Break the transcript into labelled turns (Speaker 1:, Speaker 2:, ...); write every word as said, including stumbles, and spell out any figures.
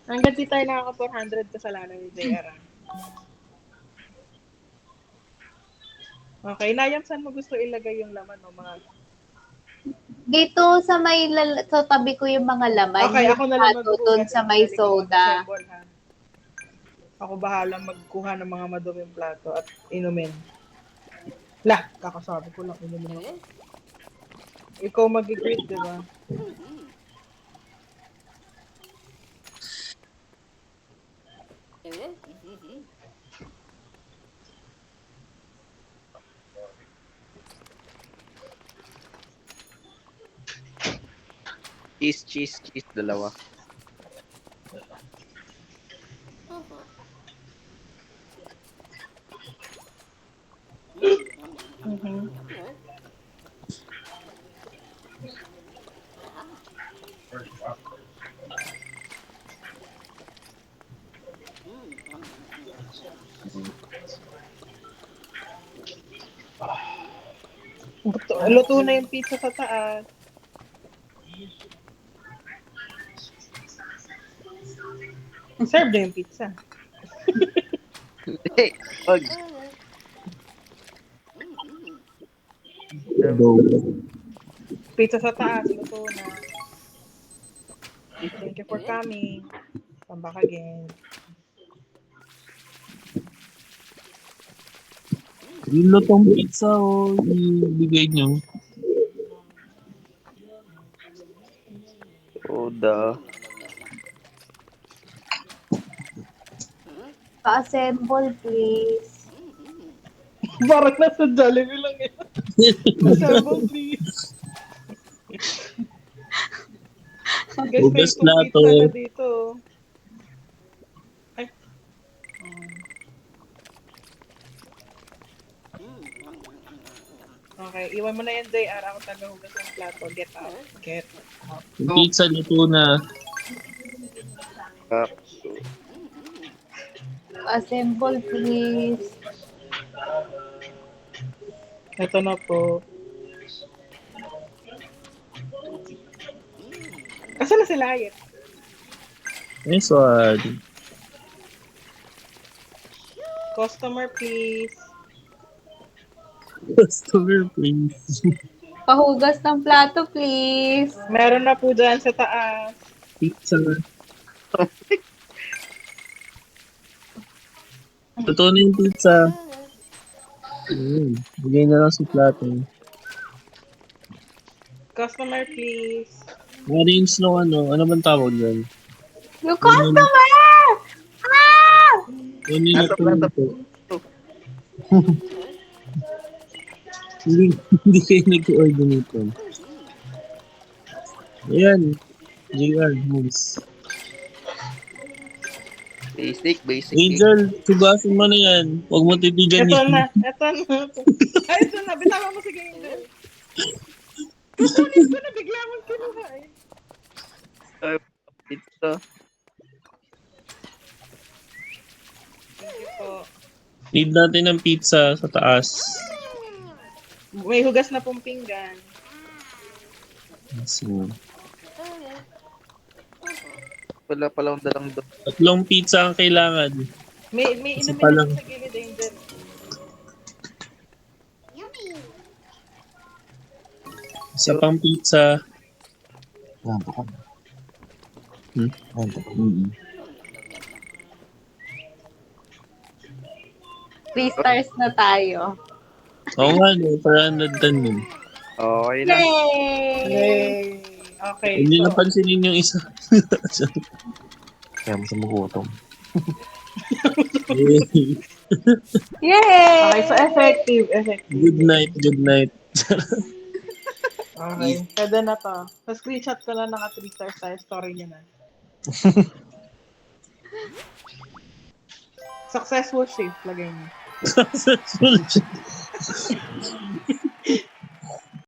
Speaker 1: Hanggang di tayo nakaka four hundred kasalanan ni J R. Okay, Nayam, saan mo gusto ilagay yung laman o mga...
Speaker 2: Dito sa may lal- sa tabi ko yung mga laman,
Speaker 1: Okay,
Speaker 2: yung
Speaker 1: ako na lang
Speaker 2: plato dun
Speaker 1: maghuhugas
Speaker 2: sa
Speaker 1: at
Speaker 2: may
Speaker 1: magaling ako
Speaker 2: soda.
Speaker 1: mag-assemble, ha? Ako bahala magkuha ng mga maduming plato at inumin. Lah, kakasabi ko lang, inumin ako. Ikaw mag-greet, di ba?
Speaker 3: Cheese, cheese, cheese, dalawa.
Speaker 1: Mhm. Luto, luto na yung pizza sa taas. Serve na yung pizza.
Speaker 3: Hindi, wag.
Speaker 1: Pizza sa taas, luto na. Thank you for coming. Come back again.
Speaker 4: Yung lutong pizza o ibigay nyo.
Speaker 3: Soda.
Speaker 2: Pa-assemble, please.
Speaker 1: Parang nasa Jollibee lang eh. Assemble, please. Guys, may
Speaker 4: Hugas
Speaker 1: itong
Speaker 4: plato.
Speaker 1: pizza na dito. Ay. Okay, iwan mo na yan, J R. Ako taga-hugas ng plato. Get out. Get out.
Speaker 4: Yung pizza luto na.
Speaker 3: Kapso.
Speaker 2: Pa-assemble, please.
Speaker 1: Ito na po. Asa na sila, Ayet?
Speaker 4: Nice one.
Speaker 1: Customer, please.
Speaker 4: Customer, please.
Speaker 2: Pahugas ng plato, please.
Speaker 1: Meron na po dyan sa taas.
Speaker 4: Pizza. Totoo na yung pizza. Ayun. Bigay na lang sa plato.
Speaker 1: Customer, please.
Speaker 4: Arrange ng ano. Ano bang tawag yan?
Speaker 2: Yung customer! Ah!
Speaker 4: Ano yung
Speaker 3: Nasa plato.
Speaker 4: po? Hindi, hindi kayo nag-order nito. Ayan. J R, moves.
Speaker 3: Basic, basic.
Speaker 4: Angel, sugasin mo na yan. Huwag mo titigan
Speaker 1: Ito
Speaker 4: yan.
Speaker 1: na. Ito na. Ay, ito na. Bitawan mo si Angel. Kukunin ko na. Bigla mong kinuha eh.
Speaker 3: Ay, pizza.
Speaker 1: Thank you po.
Speaker 4: Need natin ng pizza sa taas.
Speaker 1: May hugas na pong pinggan.
Speaker 4: So,
Speaker 3: Wala palang dalang doon.
Speaker 4: tatlong pizza ang kailangan.
Speaker 1: May, may
Speaker 4: Isa
Speaker 1: inumin
Speaker 4: pa
Speaker 1: na
Speaker 4: lang.
Speaker 1: po sa gilid, Angel.
Speaker 4: Isa pang pizza.
Speaker 5: Ganto ka.
Speaker 4: Hmm?
Speaker 5: Ganto ka.
Speaker 4: Mm-hmm.
Speaker 2: Three stars na tayo.
Speaker 4: Oo nga, no, para nandan yun.
Speaker 3: Okay na.
Speaker 2: Yay!
Speaker 1: Yay! Okay,
Speaker 4: Hindi
Speaker 1: so,
Speaker 4: napansinin yung isa.
Speaker 5: Kaya mo siya magutom.
Speaker 2: Yay!
Speaker 1: okay, so effective, effective.
Speaker 4: Good night, good night.
Speaker 1: Okay, pwede na to. Sa screenshot ko lang naka three stars tayo, story niya na. Successful shift, lagay niyo.
Speaker 4: Successful.